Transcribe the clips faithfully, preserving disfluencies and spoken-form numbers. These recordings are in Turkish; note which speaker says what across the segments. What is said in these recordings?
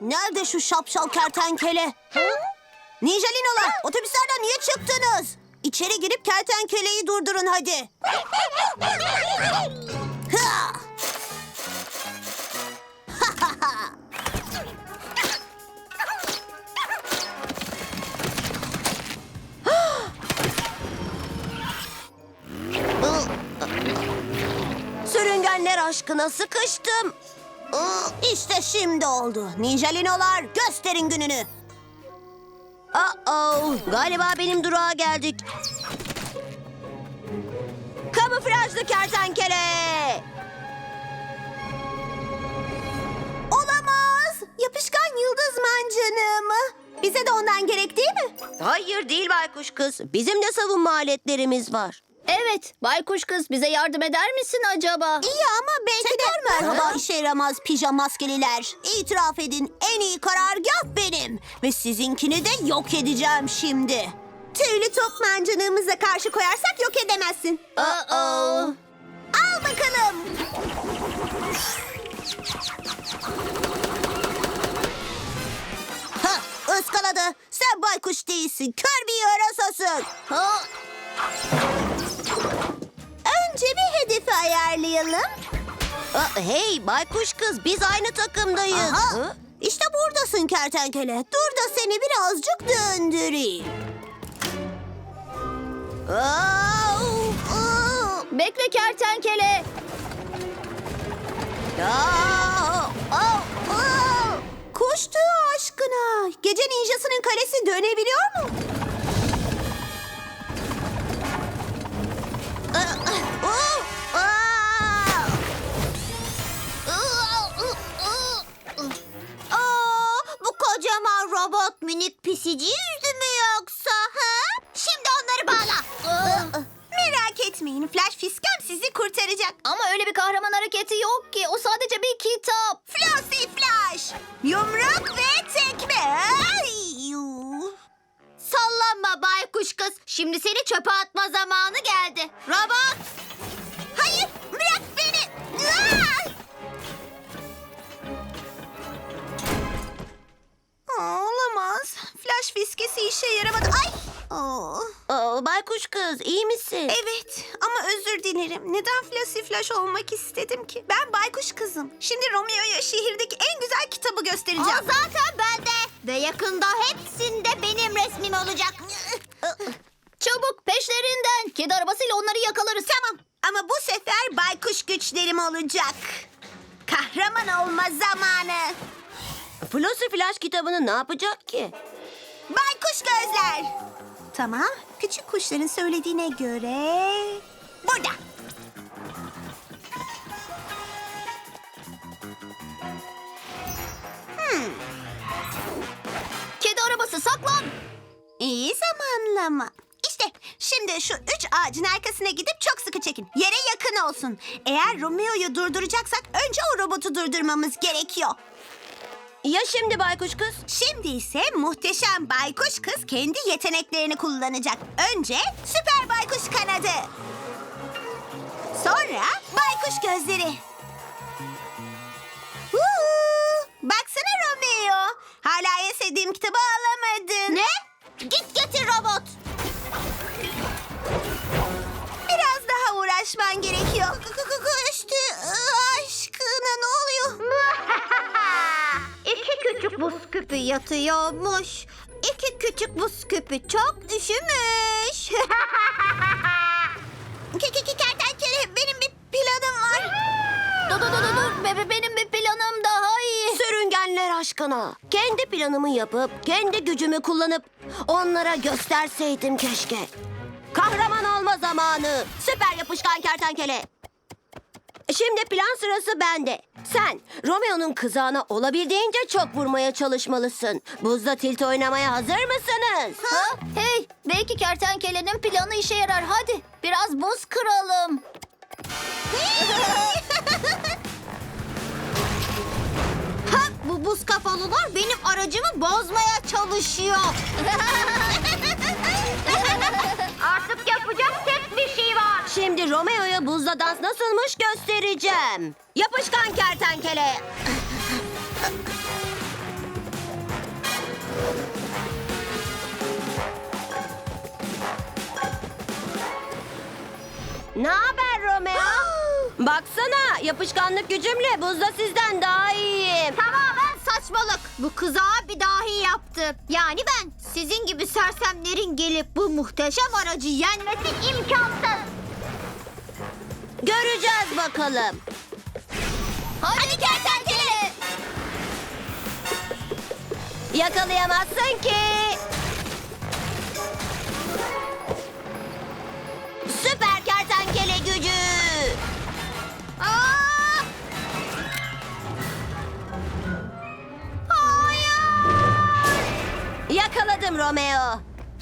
Speaker 1: Nerede şu şapşal kertenkele? Ninjalinolar, otobüslerden niye çıktınız? İçeri girip kertenkeleyi durdurun hadi. Ha! Sürüngenler aşkına sıkıştım. İşte şimdi oldu. Ninjalinolar, gösterin gününü. Uh-oh, galiba benim durağa geldik. Kamuflajlı kertenkele. Olamaz. Yapışkan yıldız mancınığı mı? Bize de ondan gerek değil mi? Hayır değil baykuş kız. Bizim de savunma aletlerimiz var.
Speaker 2: Evet, baykuş kız bize yardım eder misin acaba?
Speaker 1: İyi ama belki de merhaba işe yaramaz pijama maskeliler. İtiraf edin, en iyi karargah benim. Ve sizinkini de yok edeceğim şimdi. Tüylü top mancınığımıza karşı koyarsak yok edemezsin.
Speaker 2: Uh-oh.
Speaker 1: Al bakalım. Ha, ıskaladı. Sen baykuş değilsin. Kör bir yarasasın.
Speaker 2: Ha,
Speaker 1: Önce bir hedefi ayarlayalım. Aa, hey baykuş kız, biz aynı takımdayız. Aha, işte buradasın kertenkele. Dur da seni birazcık döndüreyim. Au, au,
Speaker 2: bekle kertenkele.
Speaker 1: au, au, au. Kuş tüyü aşkına. Gece ninjasının kalesi dönebiliyor mu? Aa, bu kocaman robot minik pisici yüzü mü yoksa? Ha? Şimdi onları bağla. Merak etmeyin, Flash Fiskem sizi kurtaracak.
Speaker 2: Ama öyle bir kahraman hareketi yok ki. O sadece bir kitap.
Speaker 1: Flossy Flash! Yumruk ve tekme. Ay, yuh. Sallanma baykuş kız. Şimdi seni çöpe atma zamanı geldi. Robot! Hayır, bırak beni. Aa! Aa, olamaz. Flash fiskesi işe yaramadı. Ay! Oo. Oo, baykuş kız, iyi misin? Evet ama özür dilerim. Neden Flossy Flash olmak istedim ki? Ben baykuş kızım. Şimdi Romeo'ya şehirdeki en güzel kitabı göstereceğim. O zaten bende. Ve yakında hepsinde benim resmim olacak.
Speaker 2: Çabuk peşlerinden. Kedi arabasıyla onları yakalarız.
Speaker 1: Tamam ama bu sefer baykuş güçlerim olacak. Kahraman olma zamanı. Flossy Flash kitabını ne yapacak ki? Baykuş gözler. Tamam, küçük kuşların söylediğine göre... Burada. Hmm,
Speaker 2: Kedi arabası saklan.
Speaker 1: iyi zamanlama. İşte şimdi şu üç ağacın arkasına gidip çok sıkı çekin. Yere yakın olsun. Eğer Romeo'yu durduracaksak önce o robotu durdurmamız gerekiyor. Ya şimdi baykuş kız? Şimdi ise muhteşem baykuş kız kendi yeteneklerini kullanacak. Önce süper baykuş kanadı. Sonra baykuş gözleri. Huu, baksana Romeo. Hala en sevdiğim kitabı alamadın. Ne? Git getir robot. Biraz daha uğraşman gerekiyor. Koştu aşkına, ne oluyor? İki küçük buz küpü yatıyormuş. İki küçük buz küpü çok üşümüş. Kertenkele, benim bir planım var.
Speaker 2: Dur dur dur dur. Be- Benim bir planım daha iyi.
Speaker 1: Sürüngenler aşkına. Kendi planımı yapıp, kendi gücümü kullanıp onlara gösterseydim keşke. Kahraman olma zamanı. Süper yapışkan kertenkele. Şimdi plan sırası bende. Sen Romeo'nun kızağına olabildiğince çok vurmaya çalışmalısın. Buzda tilt oynamaya hazır mısınız?
Speaker 2: Ha? Hey, belki kertenkelenin planı işe yarar. Hadi biraz buz kıralım.
Speaker 1: Ha, bu buz kafalılar benim aracımı bozmaya çalışıyor. Artık yapacak tek bir şey var. Şimdi Romeo'ya buzda dans nasılmış göstereceğim. Yapışkan kertenkele. Ne haber Romeo? Baksana, yapışkanlık gücümle buzda sizden daha iyiyim.
Speaker 2: Tamamen saçmalık. Bu kıza bir dahi yaptı. Yani ben sizin gibi sersemlerin gelip bu muhteşem aracı yenmesi imkansız.
Speaker 1: Göreceğiz bakalım.
Speaker 2: Hadi kertenkele.
Speaker 1: Yakalayamazsın ki. Süper kertenkele gücü.
Speaker 2: Aa! Hayır.
Speaker 1: Yakaladım Romeo.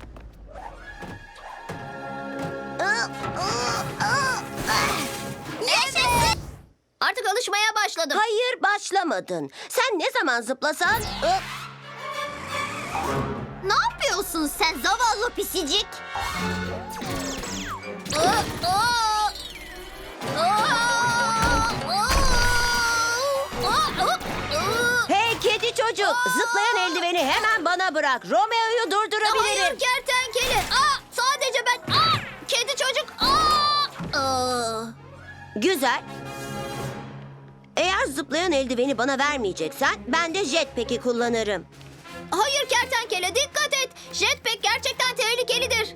Speaker 2: Yaşasın. Artık alışmaya başladım.
Speaker 1: Hayır, başlamadın. Sen ne zaman zıplasan...
Speaker 2: Ne yapıyorsun sen zavallı pisicik? Aa, aa. Aa, aa. Aa, aa.
Speaker 1: Hey kedi çocuk, zıplayan eldiveni hemen bana bırak. Romeo'yu durdurabilirim.
Speaker 2: Hayır kertenkele. Aa, sadece ben. Aa, kedi çocuk. Aa. Aa.
Speaker 1: Güzel. Eğer zıplayan eldiveni bana vermeyeceksen ben de jetpack'i kullanırım.
Speaker 2: Hayır kertenkele dikkat et. Jetpack gerçekten tehlikelidir.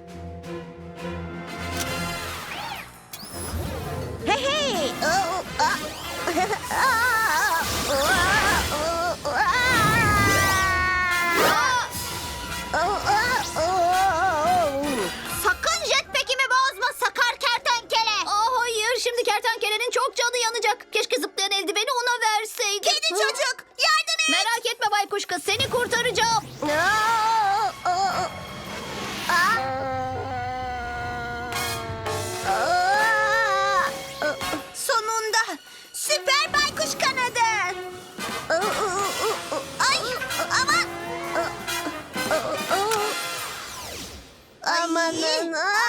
Speaker 1: Hey hey.
Speaker 2: Sakın jetpack'imi bozma sakar kertenkele. Aa, hayır şimdi kertenkelenin çok canı yanacak. Keşke zıplayan eldiveni ona verseydim. Kedi çocuk yardım et. Merak etme baykuş kız seni kurtaracağım. Sonunda süper baykuş kanadı. Ay ama.
Speaker 1: Amanın.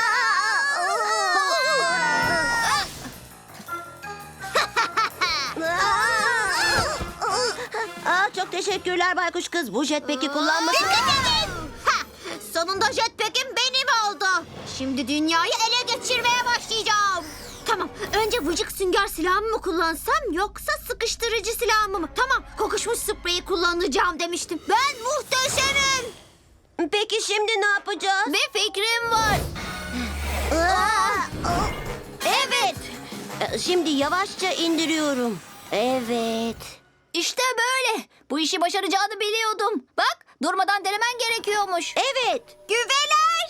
Speaker 1: Aa, çok teşekkürler baykuş kız. Bu jetpack'i kullanması...
Speaker 2: Dikkat edin. Ha, sonunda jetpack'im benim oldu. Şimdi dünyayı ele geçirmeye başlayacağım. Tamam, önce vıcık sünger silahımı mı kullansam yoksa sıkıştırıcı silahımı mı? Tamam, kokuşmuş spreyi kullanacağım demiştim. Ben muhteşemim.
Speaker 1: Peki şimdi ne yapacağız?
Speaker 2: Bir fikrim var.
Speaker 1: Evet. Şimdi yavaşça indiriyorum. Evet.
Speaker 2: İşte böyle. Bu işi başaracağını biliyordum. Bak, durmadan denemen gerekiyormuş.
Speaker 1: Evet.
Speaker 2: Güveler.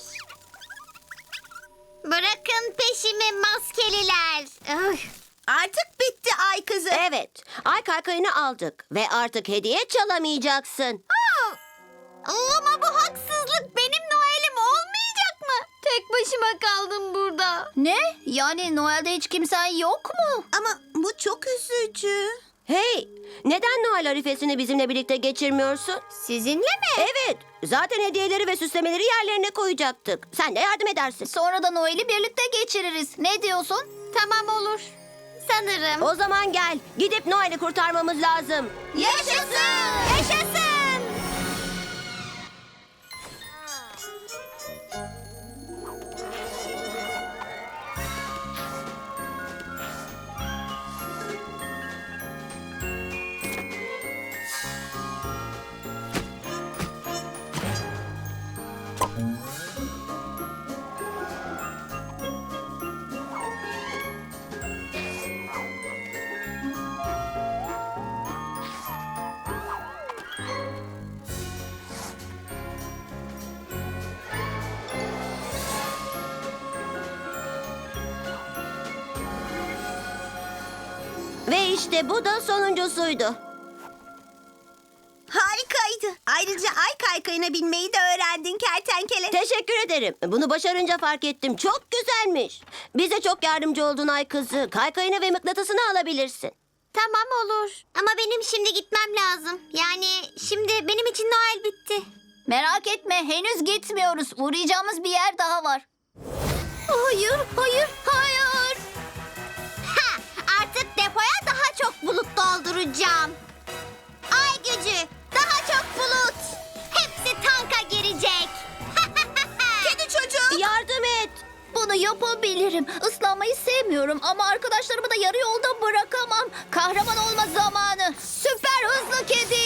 Speaker 2: Bırakın peşimi maskeliler.
Speaker 1: Artık bitti ay kızı. Evet. Ay kaykayını aldık ve artık hediye çalamayacaksın.
Speaker 2: Ama bu haksızlık. Benim Noel'im olmayacak mı? Tek başıma kaldım burada. Ne? Yani Noel'de hiç kimsen yok mu?
Speaker 1: Ama bu çok üzücü. Hey, neden Noel arifesini bizimle birlikte geçirmiyorsun?
Speaker 2: Sizinle mi?
Speaker 1: Evet, zaten hediyeleri ve süslemeleri yerlerine koyacaktık. Sen de yardım edersin.
Speaker 2: Sonra da Noel'i birlikte geçiririz. Ne diyorsun? Tamam olur. Sanırım.
Speaker 1: O zaman gel, gidip Noel'i kurtarmamız lazım.
Speaker 2: Yaşasın! Yaşasın!
Speaker 1: Ve işte bu da sonuncusuydu.
Speaker 3: Harikaydı. Ayrıca ay kaykayına binmeyi de öğrendin kertenkele.
Speaker 1: Teşekkür ederim. Bunu başarınca fark ettim. Çok güzelmiş. Bize çok yardımcı oldun ay kızı. Kaykayını ve mıknatısını alabilirsin.
Speaker 2: Tamam olur. Ama benim şimdi gitmem lazım. Yani şimdi benim için Noel bitti. Merak etme henüz gitmiyoruz. Uğrayacağımız bir yer daha var. Hayır, hayır, hayır. Ha, artık depoya daha çok bulut dolduracağım. Ay gücü, daha çok bulut. Hepsi Yapabilirim. Islanmayı sevmiyorum ama arkadaşlarımı da yarı yolda bırakamam. Kahraman olma zamanı. Süper hızlı kedi.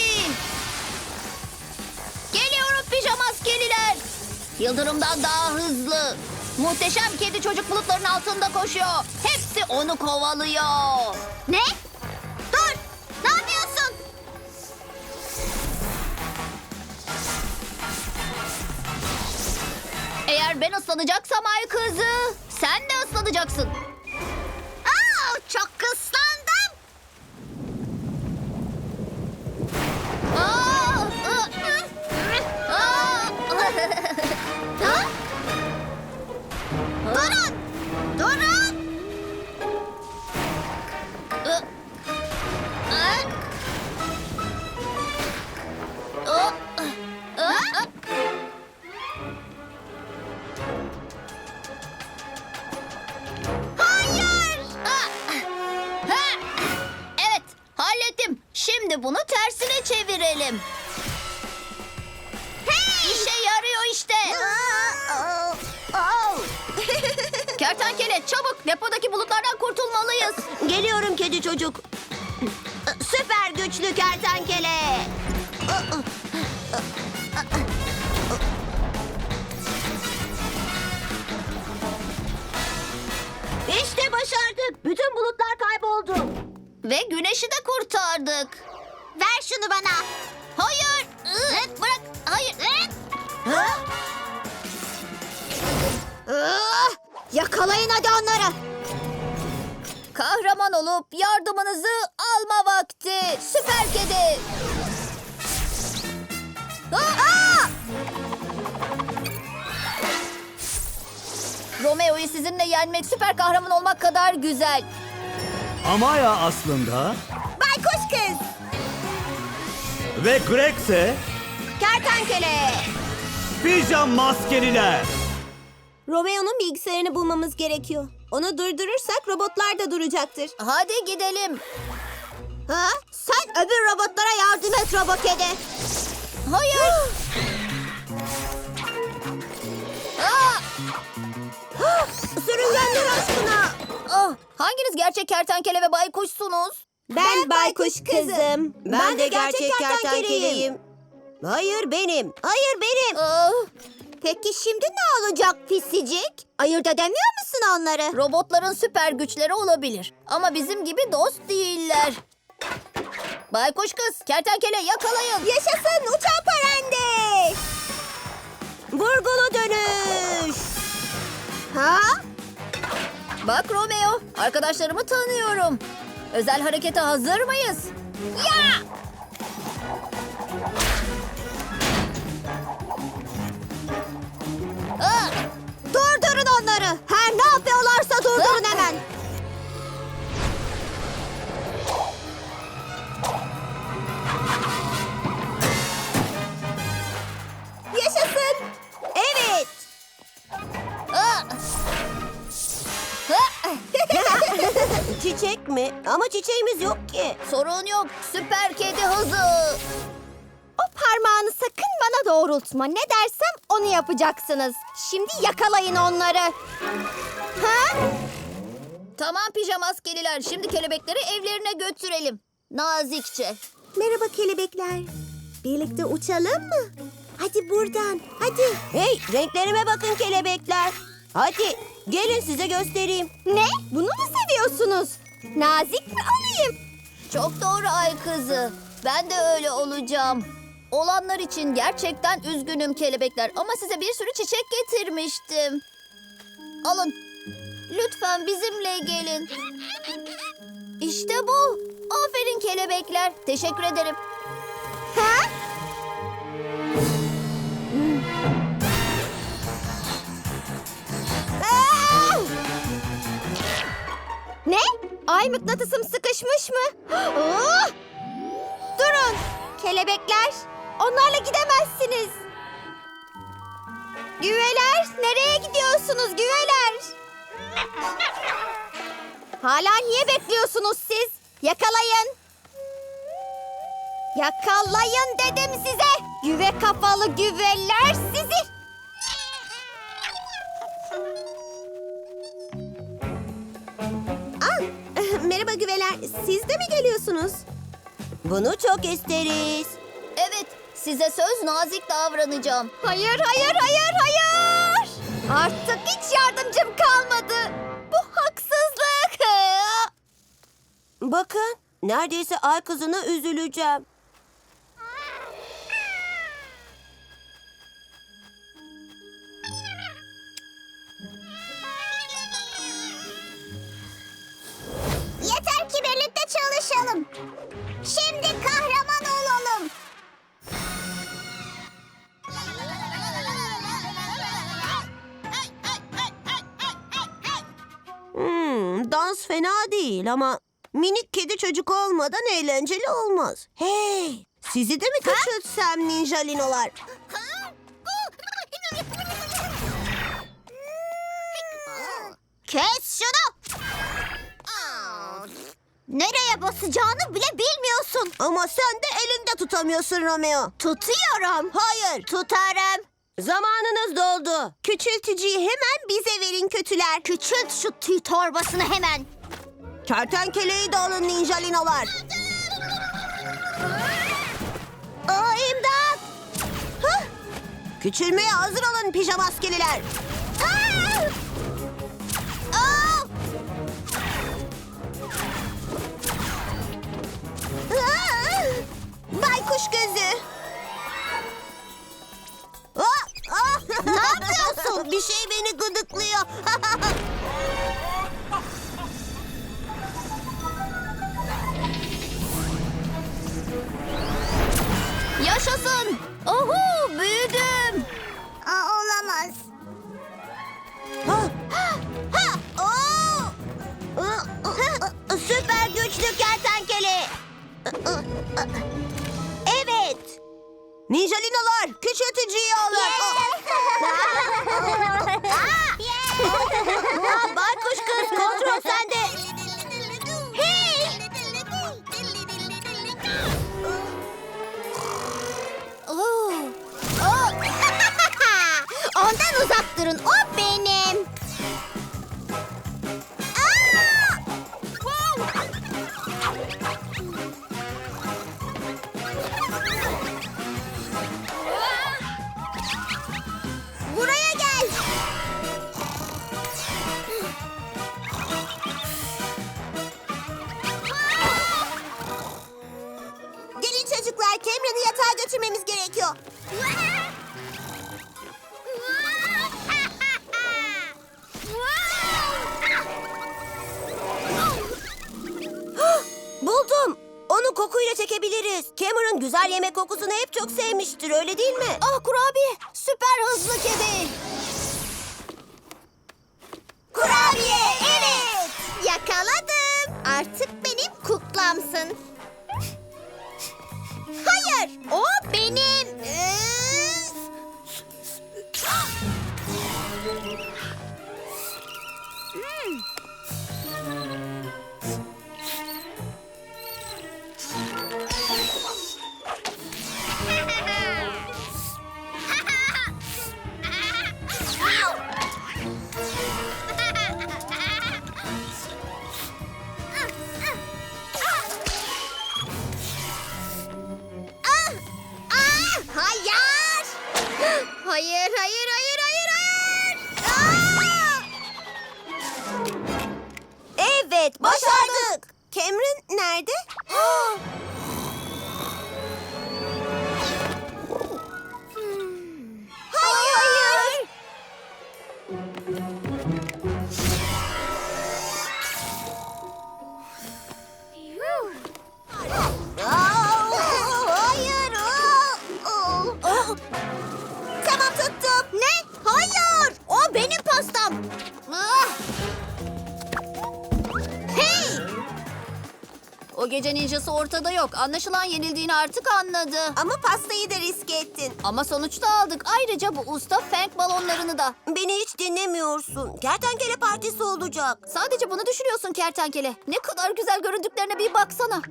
Speaker 2: Geliyorum pijama askeriler. Yıldırımdan daha hızlı. Muhteşem kedi çocuk bulutların altında koşuyor. Hepsi onu kovalıyor. Ne? Dur! Ne yapıyorsun? Eğer ben ıslanacaksam ay kızı, sen de ıslanacaksın. Aa, çok ıslandım. Aa, ı, ı, aa. Ha? Durun! Durun! I, ı. I, ı, ı. Hayır! Ah! Ha! Evet, hallettim. Şimdi bunu tersine çevirelim. Hey! İşe yarıyor işte. Kertenkele çabuk depodaki bulutlardan kurtulmalıyız.
Speaker 1: Geliyorum kedi çocuk. Süper güçlü kertenkele. İşte başardık. Bütün bulutlar kayboldu.
Speaker 2: Ve güneşi de kurtardık. Ver şunu bana. Hayır. Iı, bırak. Hayır.
Speaker 1: Ha?
Speaker 2: Ah, yakalayın hadi onları. Kahraman olup yardımınızı alma vakti. Süper kedi. Aa! Romeo'yu sizinle yenmek süper kahraman olmak kadar güzel.
Speaker 4: Amaya aslında
Speaker 3: Baykuş kız.
Speaker 4: ve Greg ise
Speaker 1: Kertenkele.
Speaker 4: pijama maskeliler.
Speaker 3: Romeo'nun bilgisayarını bulmamız gerekiyor. Onu durdurursak robotlar da duracaktır.
Speaker 2: Hadi gidelim.
Speaker 3: Ha? Sen öbür robotlara yardım et robot kedi.
Speaker 2: Hayır. Aa!
Speaker 3: Sürüngenler aşkına.
Speaker 2: Ah, hanginiz gerçek kertenkele ve baykuşsunuz?
Speaker 3: Ben, baykuş kızım.
Speaker 1: Ben, de gerçek kertenkeleyim. Hayır benim. Hayır benim.
Speaker 2: Ah,
Speaker 3: Peki şimdi ne olacak pisicik? Ayırt edemiyor musun onları?
Speaker 2: robotların süper güçleri olabilir. Ama bizim gibi dost değiller. Baykuş kız, kertenkele yakalayın.
Speaker 3: Yaşasın uçan parende.
Speaker 1: Vurgulu dönüş.
Speaker 3: Ha?
Speaker 2: Bak Romeo, arkadaşlarımı tanıyorum. Özel harekete hazır mıyız? Ya! Ah!
Speaker 3: Durdurun onları. Her ne yapıyorlarsa durdurun
Speaker 2: Ah!
Speaker 3: hemen. Yaşasın.
Speaker 1: Evet.
Speaker 2: Ah! Ah!
Speaker 1: Çiçek mi? Ama çiçeğimiz yok ki.
Speaker 2: Sorun yok, süper kedi hızı.
Speaker 3: O parmağını sakın bana doğrultma. Ne dersem onu yapacaksınız. Şimdi yakalayın onları. Ha?
Speaker 2: Tamam pijama askeriler, şimdi kelebekleri evlerine götürelim. Nazikçe.
Speaker 3: Merhaba kelebekler. Birlikte uçalım mı? Hadi buradan. Hadi.
Speaker 1: Hey, renklerime bakın kelebekler. Hadi gelin size göstereyim.
Speaker 3: Ne? Bunu mu seviyorsunuz? Nazik mi olayım?
Speaker 2: Çok doğru ay kızı. Ben de öyle olacağım. Olanlar için gerçekten üzgünüm kelebekler ama size bir sürü çiçek getirmiştim. Alın. Lütfen bizimle gelin. İşte bu. Aferin kelebekler. Teşekkür ederim.
Speaker 3: Ha? Aa! Ne? Ay mıknatısım sıkışmış mı? Oh! Durun. Kelebekler. Onlarla gidemezsiniz. Güveler. Nereye gidiyorsunuz güveler? Hala niye bekliyorsunuz siz? Yakalayın. Yakalayın dedim size. Güve kafalı güveler sizi.
Speaker 1: söylüyorsunuz? Bunu çok isteriz.
Speaker 2: Evet, size söz nazik davranacağım.
Speaker 3: Hayır, hayır, hayır, hayır. Artık hiç yardımcım kalmadı. Bu haksızlık.
Speaker 1: Bakın, neredeyse ay kızına üzüleceğim.
Speaker 2: Yeter ki birlikte çalışalım. Şimdi kahraman olalım.
Speaker 1: Hmm, dans fena değil ama minik kedi çocuk olmadan eğlenceli olmaz. Hey, sizi de mi küçültsem ninjalinolar?
Speaker 2: Kes şunu. Nereye basacağını bile bilmiyorsun.
Speaker 1: Ama sen de elinde tutamıyorsun Romeo.
Speaker 2: Tutuyorum.
Speaker 1: Hayır.
Speaker 2: Tutarım.
Speaker 1: Zamanınız doldu. Küçültücüyü hemen bize verin kötüler.
Speaker 2: Küçült şu tüy torbasını hemen.
Speaker 1: Kertenkeleyi de alın ninjalinolar. Aa, imdat! Hah! Küçülmeye hazır olun pijama askeriler.
Speaker 2: Aa! Aa!
Speaker 1: Aa! Baykuş gözü. Aa, aa!
Speaker 2: Ne yapıyorsun?
Speaker 1: Bir şey beni gıdıklıyor.
Speaker 2: Yaşasın. Oho, büyüdüm. Aa, olamaz.
Speaker 1: Ha! Ha! Oo! Aa! Süper güçlü kertenkele. Evet. Ninjalinolar küçültücüyü alın. Aa, baykuş kız kontrol sende.
Speaker 2: Hey! Oo. Oo. Ondan uzak durun. O benim. Aa! Buraya gel.
Speaker 1: Gelin çocuklar, Cameron'ı yatağa götürmemiz gerekiyor. Buldum. Onu kokuyla çekebiliriz. Cameron güzel yemek kokusunu hep çok sevmiştir, öyle değil mi?
Speaker 2: Ah kurabiye. Süper hızlı kedi.
Speaker 1: Kurabiye, evet.
Speaker 2: Yakaladım. Artık benim kuklamsın. Hayır, o benim. Hmm. Ah! Ah! Hayır! Hayır, hayır, hayır, hayır, hayır! Ah!
Speaker 1: Evet, başardık. Cameron nerede? Hayır. Aa, hayır. Aa, aa. Tamam, tuttum.
Speaker 2: Ne? Hayır! O benim pastam. Ah! Hey! O gece ninjası ortada yok. Anlaşılan yenildiğini artık anladı.
Speaker 1: Ama pastayı da riske ettin.
Speaker 2: Ama sonuçta aldık. Ayrıca bu usta fenk balonlarını da.
Speaker 1: Beni hiç dinlemiyorsun. Kertenkele partisi olacak.
Speaker 2: Sadece bunu düşünüyorsun kertenkele. Ne kadar güzel göründüklerine bir baksana.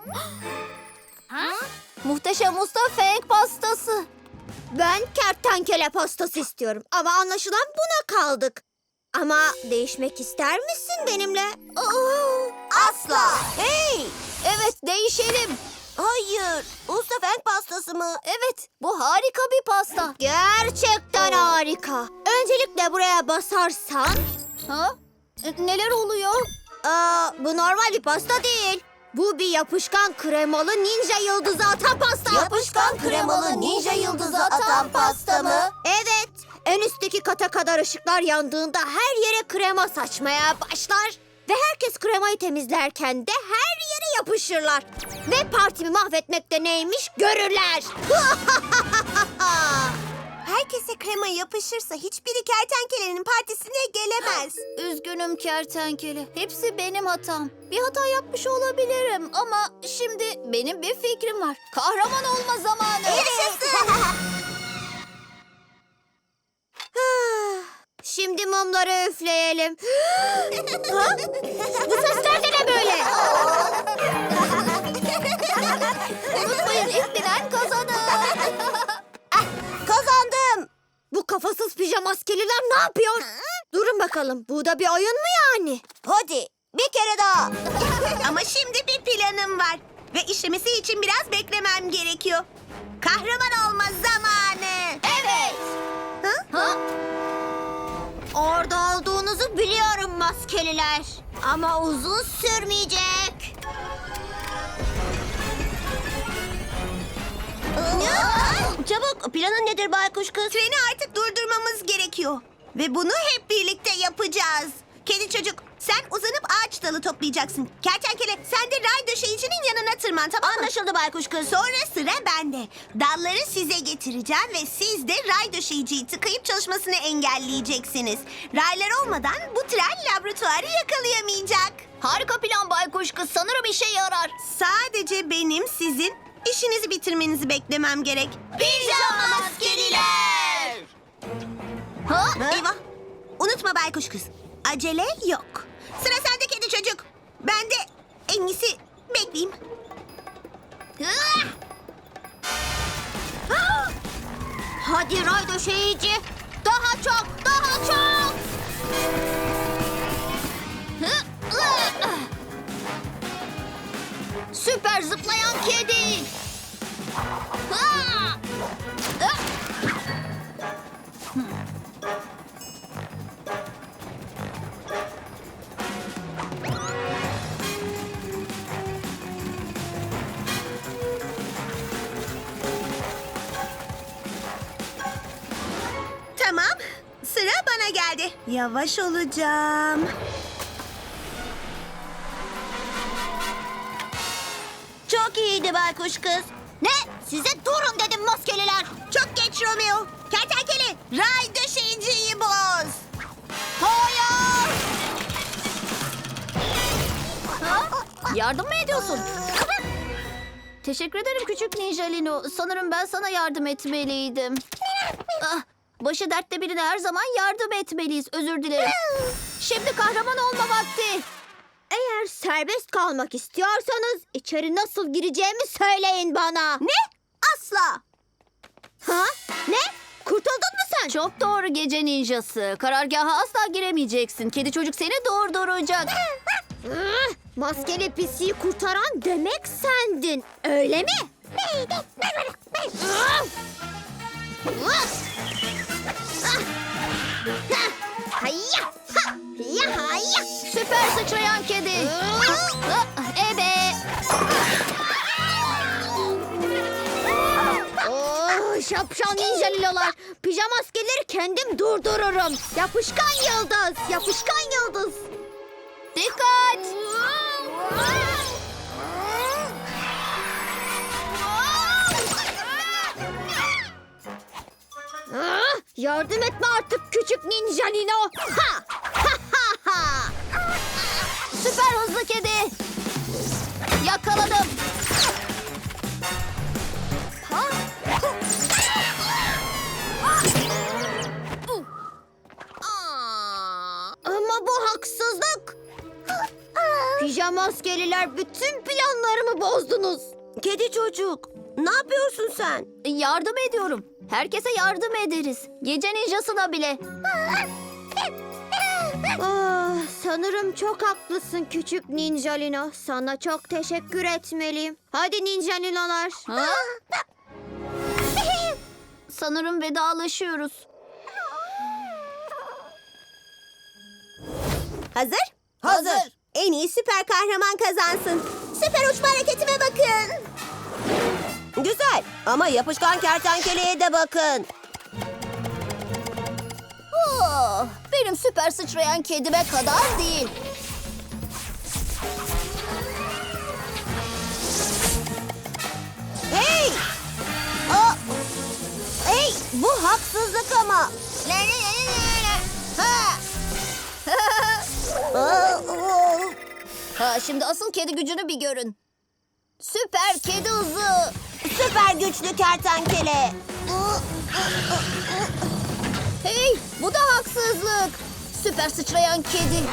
Speaker 2: Muhteşem usta fenk pastası.
Speaker 3: Ben kertenkele pastası istiyorum ama anlaşılan buna kaldık. Ama değişmek ister misin benimle?
Speaker 1: Asla. Hey!
Speaker 2: Evet, değişelim.
Speaker 1: Hayır. Usta Fenk pastası mı?
Speaker 2: Evet, bu harika bir pasta.
Speaker 3: Gerçekten harika. Öncelikle buraya basarsan...
Speaker 2: Ha? E, Neler oluyor?
Speaker 3: Aa, bu normal bir pasta değil. Bu bir yapışkan kremalı ninja yıldızı atan pasta.
Speaker 1: Yapışkan kremalı ninja yıldızı atan pasta mı?
Speaker 3: Evet. En üstteki kata kadar ışıklar yandığında her yere krema saçmaya başlar. Ve herkes kremayı temizlerken de her yere yapışırlar. Ve partimi mahvetmekte neymiş görürler.
Speaker 1: Herkese krema yapışırsa hiçbiri kertenkelenin partisine gelemez.
Speaker 2: Üzgünüm kertenkele. Hepsi benim hatam. Bir hata yapmış olabilirim ama şimdi benim bir fikrim var. Kahraman olma zamanı.
Speaker 3: Şimdi mumları üfleyelim. Ha? Bu sesler de ne böyle?
Speaker 2: Unutmayın, ilk bilen kazanır.
Speaker 3: Kazandım. Bu kafasız pijamaskeliler ne yapıyor? Durun bakalım. Bu da bir oyun mu yani?
Speaker 1: Hadi bir kere daha.
Speaker 5: Ama şimdi bir planım var. Ve işlemesi için biraz beklemem gerekiyor. Kahraman olma zamanı.
Speaker 2: Evet. Ha?
Speaker 3: Orada olduğunuzu biliyorum maskeliler. Ama uzun sürmeyecek.
Speaker 1: Çabuk, planın nedir baykuş kız?
Speaker 5: Treni artık durdurmamız gerekiyor. Ve bunu hep birlikte yapacağız. Kedi çocuk, sen uzanıp ağaç dalı toplayacaksın. Kertenkele, sen de ray döşeyicinin yanına tırman, tamam mı?
Speaker 1: Anlaşıldı baykuş kız.
Speaker 5: Sonra sıra bende. Dalları size getireceğim ve siz de ray döşeyiciyi tıkayıp çalışmasını engelleyeceksiniz. Raylar olmadan bu tren laboratuvarı yakalayamayacak.
Speaker 2: Harika plan baykuş kız. Sanırım işe yarar.
Speaker 5: Sadece benim sizin işinizi bitirmenizi beklemem gerek.
Speaker 2: Pijama maskeliler. Ha?
Speaker 5: Eyvah. Unutma baykuş kız. Acele yok. Sıra sende kedi çocuk. Ben de en iyisi bekleyeyim.
Speaker 3: Hadi ray döşeyici. Daha çok, daha çok.
Speaker 2: Süper zıplayan kedi. Ha!
Speaker 5: Tamam. Sıra bana geldi. Yavaş olacağım.
Speaker 1: Çok iyiydi baykuş kız.
Speaker 3: Ne? Size durun dedim maskeliler.
Speaker 5: Çok geç Romeo. Kertenkele, ray döşeyiciyi boz.
Speaker 2: Hayır. Ha? Yardım mı ediyorsun? Teşekkür ederim küçük Ninjalino. Sanırım ben sana yardım etmeliydim. Ah, başı dertte birine her zaman yardım etmeliyiz. Özür dilerim. Şimdi kahraman olma vakti.
Speaker 3: Eğer serbest kalmak istiyorsanız içeri nasıl gireceğimi söyleyin bana.
Speaker 5: Ne? Asla.
Speaker 3: Ha? Ne? Kurtuldun mu sen?
Speaker 2: Çok doğru gece ninjası. Karargaha asla giremeyeceksin. Kedi çocuk seni durduracak.
Speaker 3: Ah, maskeli pisiyi kurtaran demek sendin. Öyle mi? Ah! Ah! Ah! Ha! Hayya! Ha! Ya hayya!
Speaker 2: Süper sıçrayan kedi. Ah, ebe.
Speaker 3: Oh, şapşal ninjalilolar. Pijama askerleri kendim durdururum. Yapışkan yıldız, yapışkan yıldız.
Speaker 2: Dikkat.
Speaker 3: Ah, yardım etme artık küçük ninjalino. Ha! Ha ha ha!
Speaker 2: Süper hızlı kedi. Yakaladım.
Speaker 3: Ha? Ama bu haksızlık. Pijama askeriler bütün planlarımı bozdunuz.
Speaker 1: Kedi çocuk, ne yapıyorsun sen?
Speaker 2: Yardım ediyorum. Herkese yardım ederiz. Gece ninjasına bile.
Speaker 3: Ah, sanırım çok haklısın küçük Ninjalino. Sana çok teşekkür etmeliyim. Hadi Ninjalinolar.
Speaker 2: Ha? Sanırım vedalaşıyoruz.
Speaker 5: Hazır?
Speaker 2: Hazır.
Speaker 5: En iyi süper kahraman kazansın. Süper uçma hareketime bakın.
Speaker 1: Güzel ama yapışkan kertenkeleye de bakın.
Speaker 2: Oh, benim süper sıçrayan kedime kadar değil.
Speaker 1: Hey! Aa! Hey! Bu haksızlık ama.
Speaker 2: Ha!
Speaker 1: Aa, oo.
Speaker 2: Ha, şimdi asıl kedi gücünü bir görün. Süper kedi hızı.
Speaker 1: Süper güçlü kertenkele.
Speaker 2: Hey, bu da haksızlık. Süper sıçrayan kedi.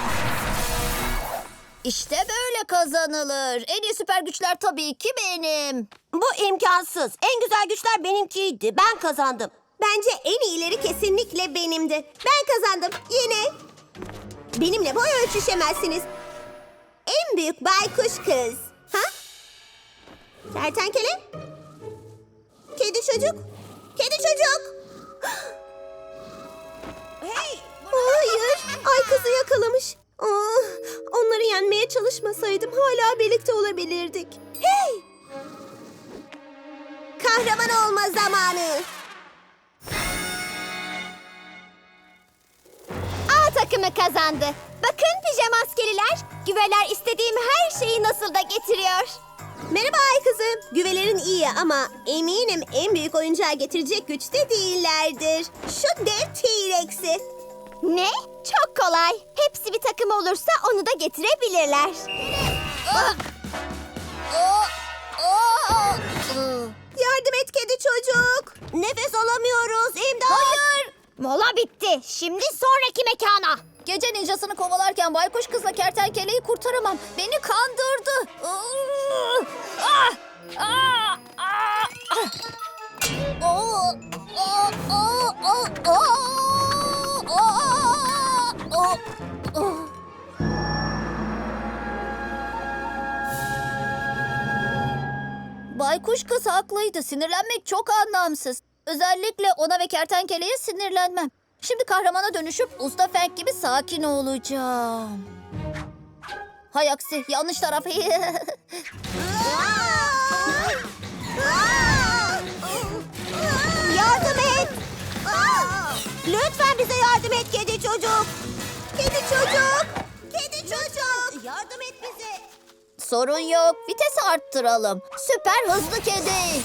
Speaker 2: İşte böyle kazanılır. En iyi süper güçler tabii ki benim.
Speaker 1: Bu imkansız. En güzel güçler benimkiydi. Ben kazandım.
Speaker 5: Bence en iyileri kesinlikle benimdi. Ben kazandım. Yine. Benimle boy ölçüşemezsiniz. En büyük baykuş kız. Ha? Kertenkele? Kedi çocuk? Kedi çocuk?
Speaker 1: Hey!
Speaker 5: Hayır. Ay kızı yakalamış. Ah, onları yenmeye çalışmasaydım hala birlikte olabilirdik. Hey! Kahraman olma zamanı.
Speaker 3: A takımı kazandı. Bakın pijamaskeliler. Güveler istediğim her şeyi nasıl da getiriyor.
Speaker 5: Merhaba ay kızım. Güvelerin iyi ama eminim en büyük oyuncağı getirecek güçte değillerdir. Şu dev T-Rex'i.
Speaker 3: Ne? Çok kolay. Hepsi bir takım olursa onu da getirebilirler.
Speaker 5: Yardım et kedi çocuk.
Speaker 1: Nefes alamıyoruz. İmdat!
Speaker 2: Hayır.
Speaker 3: Mola bitti. Şimdi sonraki mekana.
Speaker 2: Gece ninjasını kovalarken baykuş kızla kertenkeleyi kurtaramam. Beni kandırdı. Ah! Ah! Ah! Ah! Oh! Oh! Oh! Oh! Oh! Oh! Oh! Baykuş kız haklıydı. Sinirlenmek çok anlamsız. Özellikle ona ve kertenkeleye sinirlenmem. Şimdi kahramana dönüşüp Usta Fenk gibi sakin olacağım. Hay aksi, yanlış taraf.
Speaker 1: Yardım et! Lütfen bize yardım et kedi çocuk.
Speaker 5: Kedi çocuk. Kedi çocuk.
Speaker 1: Yardım et bize.
Speaker 2: Sorun yok, vitesi arttıralım. Süper hızlı kedi.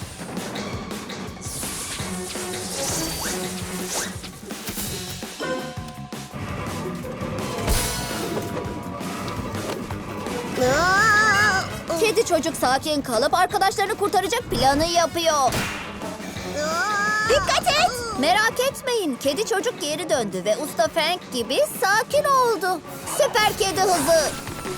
Speaker 1: Aa!
Speaker 2: Kedi çocuk sakin kalıp arkadaşlarını kurtaracak planı yapıyor.
Speaker 5: Dikkat et.
Speaker 2: Merak etmeyin, kedi çocuk geri döndü ve Usta Frank gibi sakin oldu. Süper kedi hızı.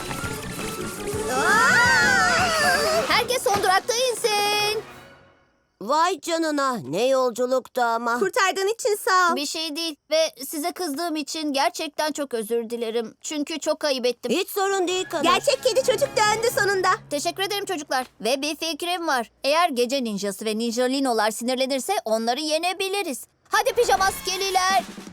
Speaker 2: Herkes son durakta insin.
Speaker 1: Vay canına ne yolculuktu ama.
Speaker 5: Kurtardığın için sağ ol.
Speaker 2: Bir şey değil ve size kızdığım için gerçekten çok özür dilerim. Çünkü çok ayıp ettim.
Speaker 1: Hiç sorun değil kadın.
Speaker 5: Gerçek kedi çocuk döndü sonunda.
Speaker 2: Teşekkür ederim çocuklar. Ve bir fikrim var. Eğer gece ninjası ve ninjalinolar sinirlenirse onları yenebiliriz. Hadi pijamaskeliler.